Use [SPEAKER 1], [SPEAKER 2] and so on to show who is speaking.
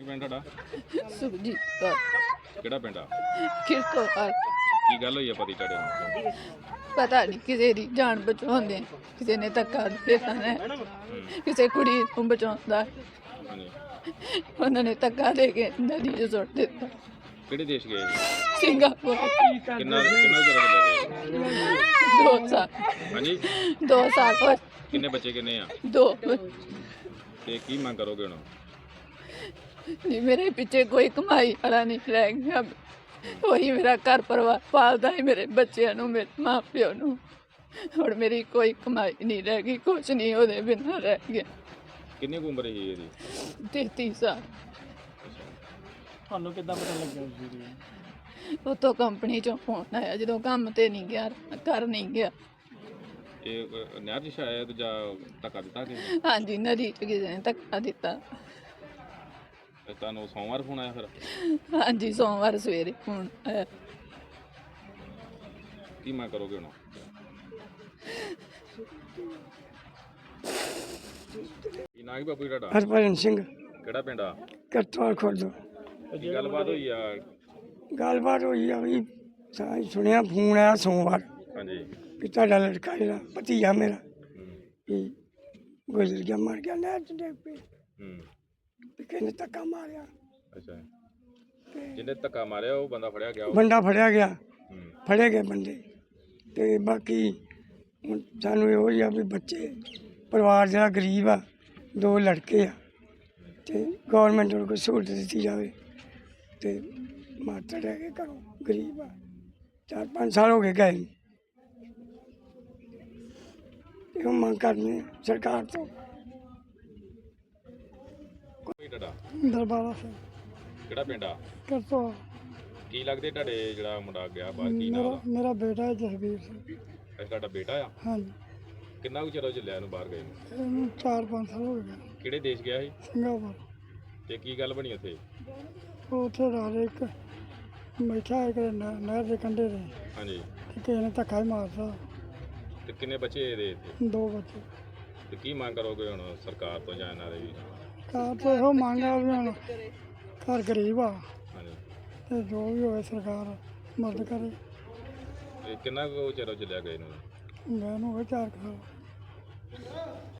[SPEAKER 1] ਪਿੰਡ ਤੁਹਾਡਾ?
[SPEAKER 2] ਸੁਖਜੀਤ ਕੌਰ
[SPEAKER 1] ਕਿਹੜਾ ਪਿੰਡ ਆ?
[SPEAKER 2] ਕਿਰਕੋਵਾਲ।
[SPEAKER 1] ਕੀ ਗੱਲ ਹੋਈ ਆ ਪਤੀ ਤੁਹਾਡੇ ਨੂੰ?
[SPEAKER 2] ਪਤਾ ਨਹੀਂ ਕਿਸੇ ਦੀ ਜਾਨ ਬਚਾਉਂਦੇ, ਕਿਸੇ ਨੇ ਧੱਕਾ ਦੇ ਦਿੱਤਾ ਨੇ, ਕਿਸੇ ਕੁੜੀ ਨੂੰ ਬਚਾਉਂਦਾ
[SPEAKER 1] ਹਾਂਜੀ,
[SPEAKER 2] ਉਹਨਾਂ ਨੇ ਧੱਕਾ ਦੇ ਕੇ ਨਦੀ 'ਚ ਸੁੱਟ ਦਿੱਤਾ।
[SPEAKER 1] ਕਿਹੜੇ ਦੇਸ਼ ਗਏ ਸੀ?
[SPEAKER 2] ਸਿੰਗਾਪੁਰ।
[SPEAKER 1] ਕਿੰਨਾ ਕਿੰਨਾ ਚਿਰ ਹੋ ਗਿਆ?
[SPEAKER 2] 2 ਸਾਲ।
[SPEAKER 1] ਹਾਂਜੀ,
[SPEAKER 2] 2 ਸਾਲ ਹੋਏ।
[SPEAKER 1] ਕਿੰਨੇ ਬੱਚੇ ਕਿੰਨੇ ਆ?
[SPEAKER 2] 2।
[SPEAKER 1] ਤੇ ਕੀ ਮੰਗ ਕਰੋਗੇ ਹੁਣ?
[SPEAKER 2] ਨਹੀਂ, ਮੇਰੇ ਪਿੱਛੇ ਕੋਈ ਕਮਾਈ ਵਾਲਾ ਨਹੀਂ ਰਹਿ ਗਿਆ। ਉਹੀ ਮੇਰਾ ਘਰ ਪਰਿਵਾਰ ਪਾਲਦਾ ਹੈ, ਮੇਰੇ ਬੱਚਿਆਂ ਨੂੰ, ਮੇਰੇ ਮਾਂ ਪਿਓ ਨੂੰ। ਹੁਣ ਮੇਰੀ ਕੋਈ ਕਮਾਈ ਨਹੀਂ ਰਹਿ ਗਈ, ਕੁਛ ਨਹੀਂ ਉਹਦੇ ਬਿਨਾਂ ਰਹਿ ਗਿਆ।
[SPEAKER 1] ਕਿੰਨੀ ਕੁ ਉਮਰ ਸੀ ਇਹਦੀ?
[SPEAKER 2] 33 ਸਾਲ।
[SPEAKER 3] ਤੁਹਾਨੂੰ ਕਿੱਦਾਂ ਪਤਾ ਲੱਗਿਆ ਉਸ ਦੀ?
[SPEAKER 2] ਉੱਥੋਂ ਕੰਪਨੀ ਚੋਂ ਫੋਨ ਆਇਆ, ਜਦੋਂ ਕੰਮ ਤੇ ਨਹੀਂ ਗਿਆ, ਘਰ ਨਹੀਂ ਗਿਆ।
[SPEAKER 1] ਇਹ ਨਹਿਰ 'ਚ ਸ਼ਾਇਦ ਜਾਂ ਧੱਕਾ ਦਿੱਤਾ ਕਿ
[SPEAKER 2] ਹਾਂਜੀ, ਨਦੀ 'ਚ ਕਿਸੇ ਨੇ ਧੱਕਾ ਦਿੱਤਾ।
[SPEAKER 1] ਤੁਹਾਨੂੰ ਸੋਮਵਾਰ ਫੋਨ ਆਇਆ ਫਿਰ?
[SPEAKER 2] ਹਾਂਜੀ, ਸੋਮਵਾਰ ਸਵੇਰੇ ਫੋਨ ਆਇਆ।
[SPEAKER 1] ਕੀ ਮੰਗ ਕਰੋਗੇ ਹੁਣ? ਕੀ ਨਾਂ ਹੈ ਬਾਪੂ ਜੀ ਤੁਹਾਡਾ?
[SPEAKER 4] ਹਰਭਜਨ ਸਿੰਘ
[SPEAKER 1] ਕਿਹੜਾ ਪਿੰਡ ਆ?
[SPEAKER 4] ਕਰਤਵਾਲ ਖੁਰਦ।
[SPEAKER 1] ਕੀ ਗੱਲਬਾਤ ਹੋਈ ਆ?
[SPEAKER 4] ਗੱਲਬਾਤ ਹੋਈ ਆ ਵੀ ਸਾਂ ਸੁਣਿਆ ਫੋਨ ਆਇਆ ਸੋਮਵਾਰ
[SPEAKER 1] ਹਾਂਜੀ।
[SPEAKER 4] ਵੀ ਤੁਹਾਡਾ ਲੜਕਾ ਜਿਹੜਾ ਭਤੀਜਾ ਮੇਰਾ ਵੀ ਗੁਜ਼ਰ ਗਿਆ, ਮਰ ਗਿਆ, ਨਹਿਰ 'ਚ ਡਿੱਗ ਪਈ। ਤੇ ਕਿਸੇ ਨੇ ਧੱਕਾ ਮਾਰਿਆ,
[SPEAKER 1] ਅੱਛਾ, ਜਿਹਨੇ ਧੱਕਾ ਮਾਰਿਆ ਉਹ ਬੰਦਾ ਫੜਿਆ ਗਿਆ?
[SPEAKER 4] ਬੰਦਾ ਫੜਿਆ ਗਿਆ, ਫੜੇ ਗਏ ਬੰਦੇ। ਤੇ ਬਾਕੀ ਹੁਣ ਸਾਨੂੰ ਇਹੋ ਹੀ ਆ ਵੀ ਬੱਚੇ ਪਰਿਵਾਰ ਜਿਹੜਾ ਗਰੀਬ ਆ, 2 ਲੜਕੇ ਆ, ਤੇ ਗੌਰਮੈਂਟ ਨੂੰ ਕੋਈ ਸਹੂਲਤ ਦਿੱਤੀ ਜਾਵੇ। ਤੇ ਮਾਤਾ ਰਹਿ ਕੇ ਘਰੋਂ ਗਰੀਬ ਆ, 4-5 ਸਾਲ ਹੋ ਗਏ ਗਏ ਨੂੰ। ਇਹੋ ਮੰਗ ਕਰਨੀ ਸਰਕਾਰ ਤੋਂ।
[SPEAKER 1] ਕੋਈ ਤੁਹਾਡਾ?
[SPEAKER 4] ਦਰਬਾਰਾ ਸਿੰਘ
[SPEAKER 1] ਕਿਹੜਾ ਪਿੰਡ ਆ?
[SPEAKER 4] ਕਰਤਵਾਲ।
[SPEAKER 1] ਕੀ ਲੱਗਦੇ ਤੁਹਾਡੇ ਜਿਹੜਾ ਮੁੰਡਾ ਗਿਆ ਬਾਹਰ? ਕੀ ਨਾਂ ਉਹਦਾ?
[SPEAKER 4] ਮੇਰਾ ਬੇਟਾ ਹੈ ਜਸਵੀਰ ਸਿੰਘ।
[SPEAKER 1] ਅੱਛਾ, ਤੁਹਾਡਾ ਬੇਟਾ ਆ?
[SPEAKER 4] ਹਾਂਜੀ,
[SPEAKER 1] ਕਿੰਨਾ ਕੁ ਚਿਰ ਹੋ ਚੱਲਿਆ ਇਹਨੂੰ ਬਾਹਰ ਗਏ ਨੂੰ?
[SPEAKER 4] ਇਹਨੂੰ 4-5 ਸਾਲ ਹੋ ਗਏ।
[SPEAKER 1] ਕਿਹੜੇ ਦੇਸ਼ ਗਿਆ ਸੀ?
[SPEAKER 4] ਸਿੰਗਾਪੁਰ।
[SPEAKER 1] ਤੇ ਕੀ ਗੱਲ ਬਣੀ ਉੱਥੇ?
[SPEAKER 4] ਉਹ ਉੱਥੇ ਰਾਤ ਇੱਕ ਬੈਠਾ ਇੱਕ ਨਹਿਰ ਦੇ ਕੰਢੇ 'ਤੇ,
[SPEAKER 1] ਹਾਂਜੀ।
[SPEAKER 4] ਤੇ ਕਿਸੇ ਨੇ ਧੱਕਾ ਹੀ ਮਾਰਤਾ।
[SPEAKER 1] ਤੇ ਕਿੰਨੇ ਬੱਚੇ ਇਹਦੇ ਇੱਥੇ?
[SPEAKER 4] 2 ਬੱਚੇ।
[SPEAKER 1] ਤੇ ਕੀ ਮੰਗ ਕਰੋਗੇ ਹੁਣ ਸਰਕਾਰ ਤੋਂ ਜਾਂ ਇਹਨਾਂ ਦੇ ਵੀ?
[SPEAKER 4] ਕਾਰ ਤੋਂ ਇਹੋ ਮੰਗ ਆ ਵੀ ਹੁਣ ਘਰ ਗਰੀਬ ਆ,
[SPEAKER 1] ਹਾਂਜੀ।
[SPEAKER 4] ਤੇ ਜੋ ਵੀ ਹੋਵੇ ਸਰਕਾਰ ਮਦਦ ਕਰੇ।
[SPEAKER 1] ਤੇ ਕਿੰਨਾ ਕੁ ਚਿਰ ਹੋ ਚੱਲਿਆ ਗਏ ਨੂੰ?
[SPEAKER 4] ਮੈਂ ਨੂੰ 4 ਸਾਲ।